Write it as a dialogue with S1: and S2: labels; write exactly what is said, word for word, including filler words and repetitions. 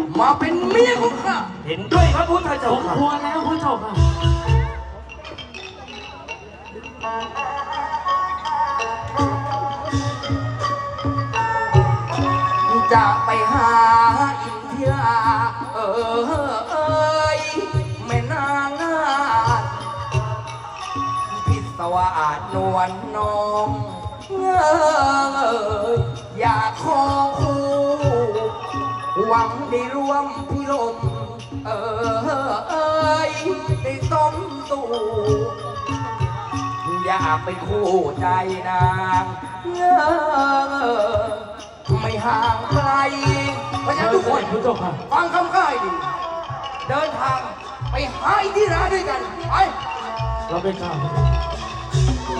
S1: มาเป็นเมียของข้า
S2: เห็นด้วยครับพุทธเจ้า
S3: ผม
S2: ค่ะ
S3: ควรแล้วพระเจ้าค่ะ
S1: จะไปหาอินเดียเออเอยแม่นางนาฏพิศวาสนวลน้องเอยอยากขอคู่หวังได้ร่วมพิลมเออเอยได้ต้มตู่อยากเป็นคู่ใจนางเออไม่ห่างไกลเพราะฉะนั้นทุกคน
S3: พระเจ้าค่ะ
S1: ฟังคำข้าให้ดี เดินทางไปหาอินทิราด้วยกัน ไป
S3: เราเป็นข้า